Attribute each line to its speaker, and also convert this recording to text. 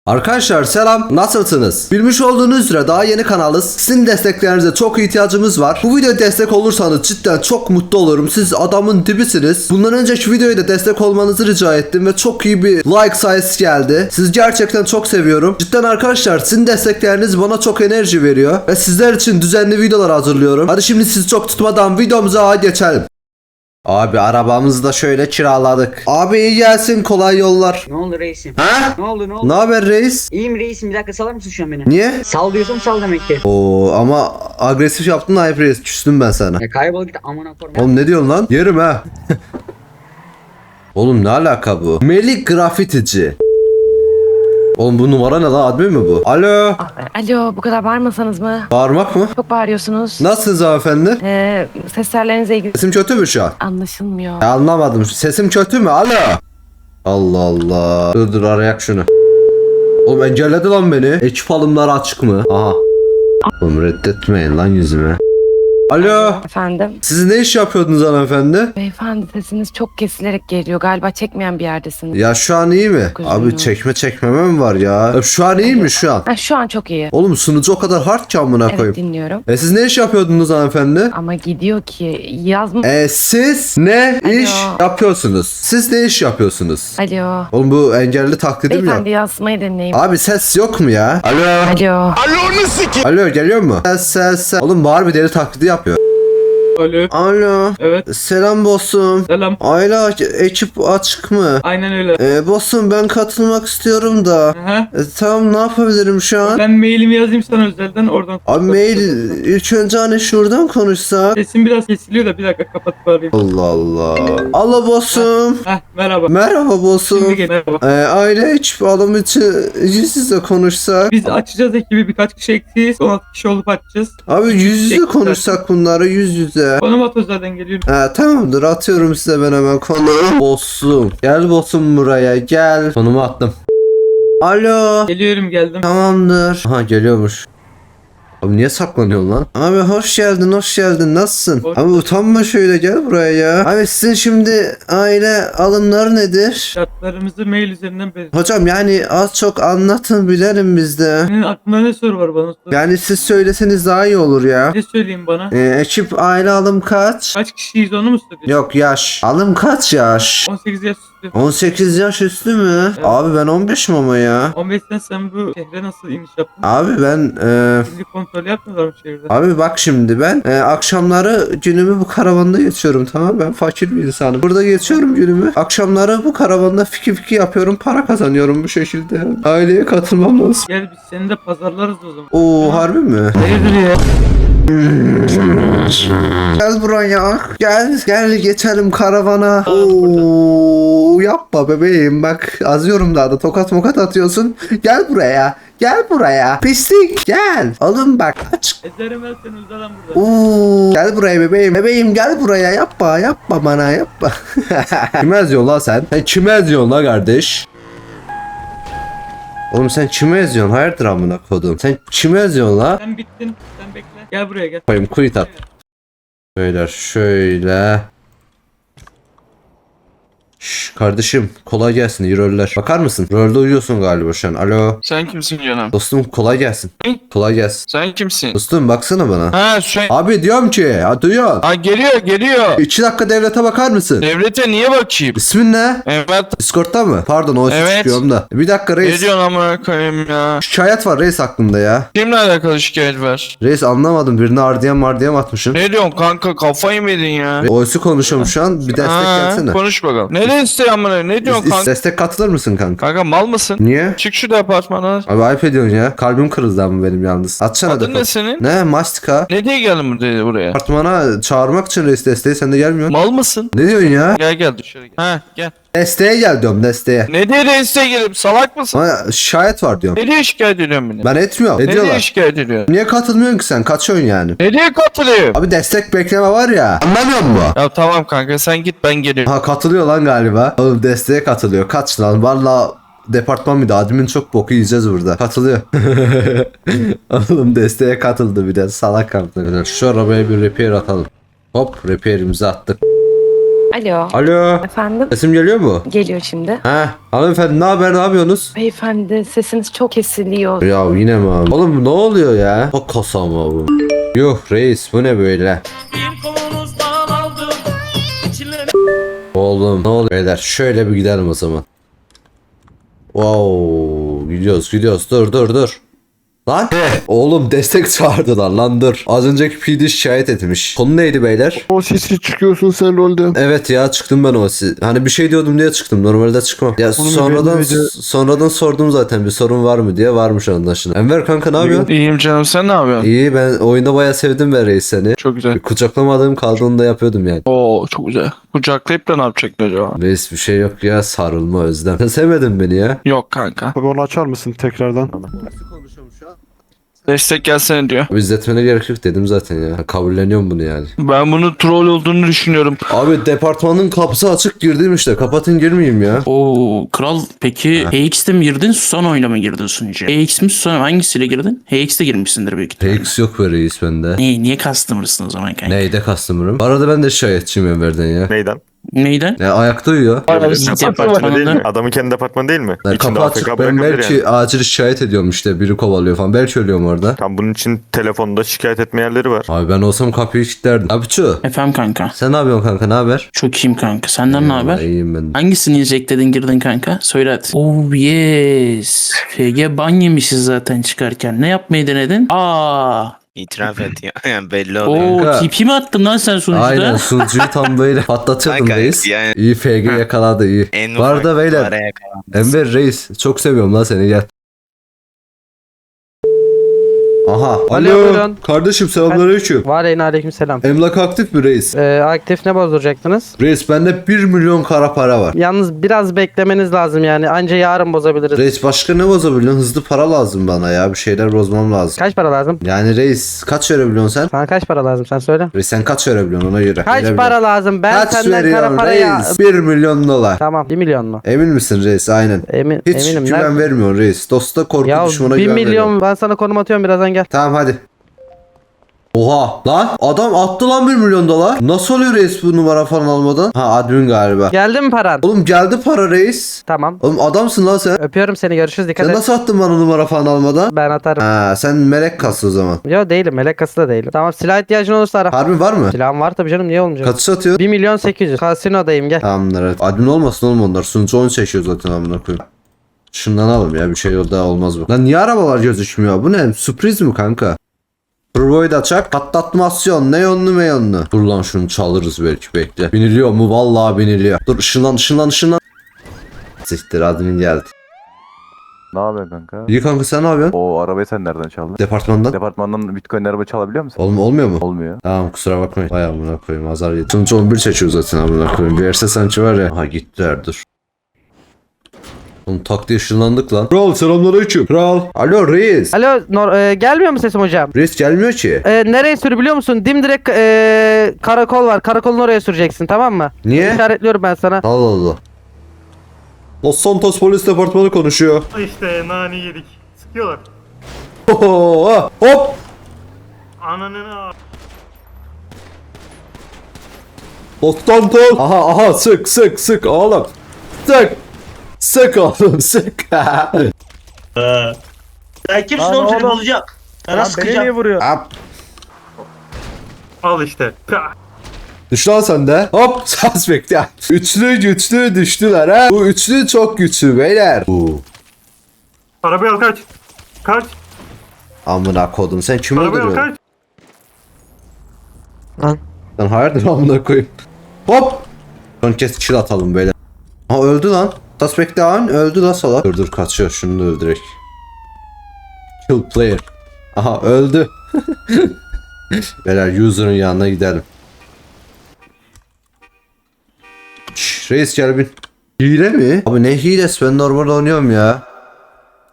Speaker 1: Arkadaşlar selam, nasılsınız? Bilmiş olduğunuz üzere daha yeni kanalız. Sizin desteklerinize çok ihtiyacımız var. Bu videoya destek olursanız cidden çok mutlu olurum. Siz adamın dibisiniz. Bundan önceki videoya da destek olmanızı rica ettim ve çok iyi bir like sayısı geldi. Sizi gerçekten çok seviyorum. Cidden arkadaşlar sizin destekleriniz bana çok enerji veriyor ve sizler için düzenli videolar hazırlıyorum. Hadi şimdi sizi çok tutmadan videomuza geçelim. Abi arabamızı da şöyle kiraladık. Abi iyi gelsin, kolay yollar.
Speaker 2: Ne oldu reisim?
Speaker 1: Ha?
Speaker 2: Ne oldu ne oldu?
Speaker 1: Ne haber reis?
Speaker 2: İyiyim reisim, bir dakika salar mısın şu an beni?
Speaker 1: Niye?
Speaker 2: Sal diyorsam sal demektir.
Speaker 1: Oo ama agresif yaptın ayıp reis. Küstüm ben sana.
Speaker 2: Ya kaybol git amına koyayım.
Speaker 1: Oğlum ne diyorsun lan? Yerim ha. Oğlum ne alaka bu? Melik grafitici. Oğlum bu numara ne lan? Admin mi bu? Alo.
Speaker 3: Alo, bu kadar bağırmasanız mı?
Speaker 1: Bağırmak mı?
Speaker 3: Çok bağırıyorsunuz.
Speaker 1: Nasılsınız hanımefendi?
Speaker 3: Ses tellerinize ilgili
Speaker 1: Sesim kötü mü şu an?
Speaker 3: anlaşılmıyor.
Speaker 1: Ya anlamadım. Sesim kötü mü? Alo. Allah Allah. Dur arayak şunu. Oğlum engelledi lan beni. Ekip alımları açık mı? Aha. Oğlum reddetmeyin lan yüzüme. Alo.
Speaker 3: Efendim?
Speaker 1: Siz ne iş yapıyordunuz hanımefendi?
Speaker 3: Beyefendi sesiniz çok kesilerek geliyor. Galiba çekmeyen bir yerdesiniz.
Speaker 1: Ya şu an iyi mi?
Speaker 3: Çok
Speaker 1: Abi
Speaker 3: üzgünüm.
Speaker 1: çekmeme mi var ya? Şu an iyi mi şu an?
Speaker 3: Ha, şu an çok iyi.
Speaker 1: Oğlum sunucu o kadar hard ki amına
Speaker 3: Evet,
Speaker 1: koyayım.
Speaker 3: dinliyorum.
Speaker 1: Siz ne iş yapıyordunuz hanımefendi?
Speaker 3: Ama gidiyor ki yazma...
Speaker 1: Siz ne
Speaker 3: Alo.
Speaker 1: iş yapıyorsunuz? Siz ne iş yapıyorsunuz?
Speaker 3: Alo.
Speaker 1: Oğlum bu engelli taklidim ya.
Speaker 3: Beyefendi yazmayı deneyin.
Speaker 1: Abi ses yok mu ya? Alo.
Speaker 3: Alo.
Speaker 1: Alo geliyor mu? Ses. Oğlum bağır bir deli taklidi yapıyor.
Speaker 4: Alo.
Speaker 1: Alo.
Speaker 4: Evet.
Speaker 1: Selam bossum.
Speaker 4: Selam.
Speaker 1: Ayla ekip açık mı?
Speaker 4: Aynen öyle.
Speaker 1: Bossum ben katılmak istiyorum da.
Speaker 4: Aha.
Speaker 1: Tamam ne yapabilirim şu an?
Speaker 4: Ben mailimi yazayım sana özelden oradan.
Speaker 1: Abi mail ilk önce hani şuradan konuşsak.
Speaker 4: Sesim biraz kesiliyor da bir dakika kapatıp arayayım.
Speaker 1: Allah Allah. Allah bossum.
Speaker 4: Heh merhaba.
Speaker 1: Merhaba bossum.
Speaker 4: Şimdi gel merhaba.
Speaker 1: Aile ekip alım için yüz yüze konuşsak.
Speaker 4: Biz açacağız ekibi, birkaç kişi eksiyiz. 16 kişi olup açacağız.
Speaker 1: Abi yüz yüze
Speaker 4: Teşekkürler.
Speaker 1: konuşsak bunları yüz yüze.
Speaker 4: Konum at özelden geliyorum.
Speaker 1: Tamamdır atıyorum size ben hemen konumu. Bossum. Gel bossum buraya gel. Konumu attım. Alo.
Speaker 4: Geliyorum geldim.
Speaker 1: Tamamdır. Aha geliyormuş. Abi niye saklanıyorsun lan? Abi hoş geldin hoş geldin nasılsın?
Speaker 4: Hoş
Speaker 1: Abi utanma şöyle gel buraya ya. Abi sizin şimdi aile alımları nedir?
Speaker 4: Şartlarımızı mail üzerinden belirledim.
Speaker 1: Hocam yani az çok anlatın bilelim biz de.
Speaker 4: Senin aklında ne soru var bana? Sor.
Speaker 1: Yani siz söyleseniz daha iyi olur ya.
Speaker 4: Ne söyleyeyim bana?
Speaker 1: Ekip aile alım kaç?
Speaker 4: Kaç kişiyiz onu mu soruyorsun?
Speaker 1: Yok yaş. Alım kaç yaş?
Speaker 4: 18 yaş üstü.
Speaker 1: 18 yaş üstü mü?
Speaker 4: Evet.
Speaker 1: Abi ben 15'im ama ya.
Speaker 4: 15'ten sen bu şehre nasıl iniş yaptın?
Speaker 1: Abi ben
Speaker 4: Şimdi kontrol yapmıyorlar mı şehirde?
Speaker 1: abi bak şimdi ben akşamları günümü bu karavanda geçiyorum tamam ben fakir bir insanım. Burada geçiyorum günümü. Akşamları bu karavanda fiki fiki yapıyorum para kazanıyorum bu şekilde. Aileye katılmam lazım.
Speaker 4: Gel biz seni de pazarlarız o zaman.
Speaker 1: Oo harbi mi?
Speaker 4: Hayırdır ya?
Speaker 1: Gel buraya. Gel geçelim karavana. Oo yapma bebeğim bak azıyorum daha da tokat mokat atıyorsun. Gel buraya. Gel buraya. Pislik gel. Oğlum bak aç.
Speaker 4: Ezerim ben seni uzadan burada.
Speaker 1: Oo gel buraya bebeğim. Bebeğim gel buraya yapma bana yapma. Kime eziyorsun lan sen? Sen kime eziyorsun lan kardeş? Oğlum sen kime eziyorsun? Hayırdır amına kodum? Sen kime eziyorsun lan?
Speaker 4: Sen bittin. Sen bekle. Gel buraya gel.
Speaker 1: Koyayım quit at. Beyler şöyle. Şş, kardeşim kolay gelsin iyi roller. Bakar mısın? Rolde uyuyorsun galiba şu an. Alo.
Speaker 5: Sen kimsin canım?
Speaker 1: Dostum kolay gelsin.
Speaker 5: Ne?
Speaker 1: Kolay gelsin.
Speaker 5: Sen kimsin?
Speaker 1: Dostum baksana bana.
Speaker 5: Ha sen...
Speaker 1: Abi diyorum ki ya duyuyorsun.
Speaker 5: Ha geliyor.
Speaker 1: 2 dakika devlete bakar mısın?
Speaker 5: Devlete niye bakayım?
Speaker 1: İsmin ne?
Speaker 5: Evet.
Speaker 1: Discord'da mı? Pardon o
Speaker 5: Evet.
Speaker 1: çıkıyorum da. Bir dakika
Speaker 5: Ne
Speaker 1: reis.
Speaker 5: diyorsun amına koyayım ya?
Speaker 1: Şikayet var reis aklımda ya.
Speaker 5: Kimle alakalı şikayet var?
Speaker 1: Reis anlamadım birini ardiyem atmışsın.
Speaker 5: Ne diyorsun kanka kafayı mı yedin ya?
Speaker 1: Oysu konuşuyorum şu an bir destek gelsene.
Speaker 5: Konuş bakalım. Ne isteği amına? Ne diyorsun kanka?
Speaker 1: Destek katılır mısın kanka?
Speaker 5: Kanka mal mısın?
Speaker 1: Niye?
Speaker 5: Çık şu departmandan.
Speaker 1: Abi ayıp ediyorsun ya. Kalbim kırıldı ama benim yalnız. Atsana
Speaker 5: Adın
Speaker 1: defol.
Speaker 5: ne senin?
Speaker 1: Ne? Mastika.
Speaker 5: Ne diye geldin buraya?
Speaker 1: Apartmana çağırmak için reis desteği sen de gelmiyorsun.
Speaker 5: Mal mısın?
Speaker 1: Ne diyorsun ya?
Speaker 5: Gel dışarı gel. Ha gel.
Speaker 1: Desteğe gel diyorum desteğe.
Speaker 5: Ne diye reiste gelip salak mısın?
Speaker 1: Bana şikayet var diyorum.
Speaker 5: Ne diye şikayet ediyorsun beni?
Speaker 1: Ben etmiyorum.
Speaker 5: Ne diye
Speaker 1: Ediyorlar.
Speaker 5: şikayet ediyorsun?
Speaker 1: Niye katılmıyorsun ki sen? Kaçıyorsun yani.
Speaker 5: Ne diye katılıyor?
Speaker 1: Abi destek bekleme var ya. Anlamıyor musun?
Speaker 5: Ya tamam kanka sen git ben geliyorum.
Speaker 1: Ha katılıyor lan galiba. Oğlum desteğe katılıyor. Kaç lan? Valla departman bir de admin çok boku yiyeceğiz burada. Katılıyor. Oğlum desteğe katıldı bir de. Salak kaptı. Şu arabaya bir repair atalım. Hop repairimizi attık.
Speaker 3: Alo.
Speaker 1: Alo.
Speaker 3: Efendim?
Speaker 1: Sesim geliyor mu?
Speaker 3: Geliyor şimdi.
Speaker 1: He. Hanımefendi ne haber, ne yapıyorsunuz?
Speaker 3: Beyefendi sesiniz çok kesiliyor.
Speaker 1: Ya yine mi abi? Oğlum ne oluyor ya? O kasa mı bu? Yuh reis bu ne böyle? Oğlum ne oluyor beyler? Şöyle bir gidelim o zaman. Wow, gidiyoruz dur. Lan oğlum destek çağırdılar lan dur. Az önceki PD şikayet etmiş. Konu neydi beyler?
Speaker 6: O sesi çıkıyorsun sen rolde.
Speaker 1: Evet ya çıktım ben hani bir şey diyordum diye çıktım. Normalde çıkmam. Ya
Speaker 6: Oğlum,
Speaker 1: sonradan sordum zaten bir sorun var mı diye, varmış anlaşılan. Enver kanka ne yapıyorsun?
Speaker 5: İyiyim canım, sen ne yapıyorsun?
Speaker 1: İyi, ben oyunda bayağı sevdim ben reis seni.
Speaker 5: Çok güzel.
Speaker 1: Kucaklamadığım kaldığını da yapıyordum yani.
Speaker 5: Oo çok güzel. Kucaklayıp da ne yapacaktın acaba?
Speaker 1: Reis bir şey yok ya, sarılma özlem. Sen sevmedin beni ya.
Speaker 5: Yok kanka.
Speaker 6: Abi onu açar mısın tekrardan?
Speaker 5: Destek gelsene diyor.
Speaker 1: Abi izletmene gerek yok dedim zaten ya. Kabulleniyorum bunu yani.
Speaker 5: Ben bunu troll olduğunu düşünüyorum.
Speaker 1: Abi departmanın kapısı açık, girdim işte. Kapatın girmeyeyim ya.
Speaker 7: Oo kral, peki HX'te mi girdin, Susanoo'yla mı girdin sunucuya? HX mi Susanoo, hangisiyle girdin? HX'te girmişsindir büyük ihtimalle.
Speaker 1: PX yok be reis bende.
Speaker 7: Niye customer'sın o zaman kanka?
Speaker 1: Neyde customer'ım? Bu arada ben de şikayetçiyim Enver'den ya.
Speaker 8: Neyden?
Speaker 7: Neyden?
Speaker 1: Ya ayakta uyuyor.
Speaker 8: Departmanı değil mi?
Speaker 7: Departmanında
Speaker 8: Adamın kendi departmanı değil mi?
Speaker 1: Yani
Speaker 8: İçinde
Speaker 1: kapı
Speaker 8: AFK
Speaker 1: açık, ben
Speaker 8: bırakabilir
Speaker 1: belki
Speaker 8: yani.
Speaker 1: acil şikayet ediyorum işte, biri kovalıyor falan, belki ölüyorum orada.
Speaker 8: Tam bunun için telefonda şikayet etme yerleri var.
Speaker 1: Abi ben olsam kapıyı kilitlerdim. Abi Çu,
Speaker 7: Efendim kanka.
Speaker 1: sen ne yapıyorsun kanka, ne haber?
Speaker 7: Çok iyiyim kanka. Senden ne haber?
Speaker 1: İyiyim ben.
Speaker 7: Hangisini injectledin, girdin kanka? Söyle hadi. Oh yes. FG ban yemişiz zaten çıkarken. Ne yapmayı denedin?
Speaker 9: İtiraf et ya. Yani belli oluyor.
Speaker 7: Oo
Speaker 1: Kanka.
Speaker 7: TP mi attın lan sen sunucuda?
Speaker 1: Aynen, sunucuyu tam böyle patlatıyordum
Speaker 9: Kanka,
Speaker 1: reis.
Speaker 9: yani-
Speaker 1: İyi FG yakaladı iyi.
Speaker 9: En
Speaker 1: Bu arada
Speaker 9: ufak
Speaker 1: beyler,
Speaker 9: araya kalan.
Speaker 1: Enver reis çok seviyorum lan seni, gel. Aha. Alo.
Speaker 10: buyurun.
Speaker 1: Kardeşim selamünaleyküm.
Speaker 10: Var yine aleykümselam.
Speaker 1: Emlak aktif mi reis?
Speaker 10: Aktif ne bozduracaktınız?
Speaker 1: Reis bende 1 milyon kara para var.
Speaker 10: Yalnız biraz beklemeniz lazım yani. Anca yarın bozabiliriz.
Speaker 1: Reis başka ne bozabiliyorsun? Hızlı para lazım bana ya. Bir şeyler bozmam lazım.
Speaker 10: Kaç para lazım?
Speaker 1: Yani reis kaç verebiliyorsun sen?
Speaker 10: Sana kaç para lazım sen söyle.
Speaker 1: Reis sen kaç verebiliyorsun ona göre.
Speaker 10: Kaç
Speaker 1: Verebiliyorum.
Speaker 10: para lazım? Ben
Speaker 1: Kaç
Speaker 10: senden kara
Speaker 1: veriyorsun
Speaker 10: paraya...
Speaker 1: reis? 1 milyon dolar.
Speaker 10: Tamam 1 milyon mu?
Speaker 1: Emin misin reis? Aynen. Hiç
Speaker 10: Eminim.
Speaker 1: güven vermiyorsun reis. Dosta korku,
Speaker 10: Ya
Speaker 1: düşmana
Speaker 10: 1
Speaker 1: güven
Speaker 10: milyon
Speaker 1: veriyorsun.
Speaker 10: ben sana konum atıyorum, birazdan gel.
Speaker 1: Tamam hadi. Oha lan adam attı lan 1 milyon dolar. Nasıl oluyor reis bu numara falan almadan? Ha admin galiba.
Speaker 10: Geldi mi paran?
Speaker 1: Oğlum geldi para reis.
Speaker 10: Tamam.
Speaker 1: Oğlum adamsın lan sen.
Speaker 10: Öpüyorum seni, görüşürüz, dikkat
Speaker 1: Sen
Speaker 10: et.
Speaker 1: nasıl attın bana numara falan almadan?
Speaker 10: Ben atarım.
Speaker 1: Ha sen melek kası o zaman.
Speaker 10: Yo değilim, melek kası da değilim. Tamam, silah ihtiyacın olursa ara.
Speaker 1: Harbi var mı?
Speaker 10: Silahım var tabii canım, niye olmayacak?
Speaker 1: Kaç satıyor?
Speaker 10: 1 milyon 800. Kasinodayım gel.
Speaker 1: Tamamdır evet. Admin olmasın oğlum onlar. Sunucu 10 çekiyor zaten amına koyayım. Şundan alalım ya, bir şey daha olmaz bu. Lan niye arabalar gözükmüyor? Bu ne? Sürpriz mi kanka? Turboyu da çak. Patlatmasyon. Neonlu meyonlu. Dur lan şunu çalırız belki, bekle. Biniliyor mu? Vallahi biniliyor. Dur ışınlan. Siktir, admin geldi.
Speaker 11: Ne haber kanka?
Speaker 1: İyi kanka, sen ne yapıyorsun?
Speaker 11: O arabayı sen nereden çaldın?
Speaker 1: Departmandan.
Speaker 11: Departmandan Bitcoin araba çalabiliyor musun?
Speaker 1: Oğlum olmuyor mu?
Speaker 11: Olmuyor.
Speaker 1: Tamam kusura bakmayın. Vay amına koyayım, azar yedim. Sunucu 11 çekiyor zaten amına koyayım. Bir Erse sanki var ya. Aha gittiler, dur. Oğlum tak diye ışınlandık lan. Kral selamünaleyküm. Kral. Alo reis.
Speaker 10: Alo gelmiyor mu sesim hocam?
Speaker 1: Reis gelmiyor ki.
Speaker 10: Nereye sür biliyor musun? Dimdirek karakol var. Karakolun oraya süreceksin, tamam mı?
Speaker 1: Niye?
Speaker 10: İşaretliyorum ben sana.
Speaker 1: Allah Allah. Los Santos Polis Departmanı konuşuyor.
Speaker 12: İşte nane yedik. Sıkıyorlar.
Speaker 1: Hop.
Speaker 12: Ananın
Speaker 1: Los Santos. Aha sık oğlum. Sık oğlum sık.
Speaker 12: Sen kimsin oğlum, seni bozacak. Sana sıkacağım.
Speaker 10: vuruyor?
Speaker 12: Al işte. Pah.
Speaker 1: Düş lan sen de. Hop saz bekle. Güçlü düştüler ha. Bu üçlü çok güçlü beyler.
Speaker 12: Arabayı al, kaç. Kaç.
Speaker 1: Amına kodum, sen kimi
Speaker 12: Arabayı al,
Speaker 1: öldürüyorsun?
Speaker 12: kaç.
Speaker 1: Lan hayırdır amına koyayım. Hop. Son kez kill atalım beyler. Ha öldü lan. Suspect down, öldü lan salak. Dur kaçıyor, şunu da öldürek. Kill player. Aha öldü. Beyler user'ın yanına gidelim. Şşş, reis gel bin. Hile mi? Abi ne hilesi, ben normal oynuyorum ya.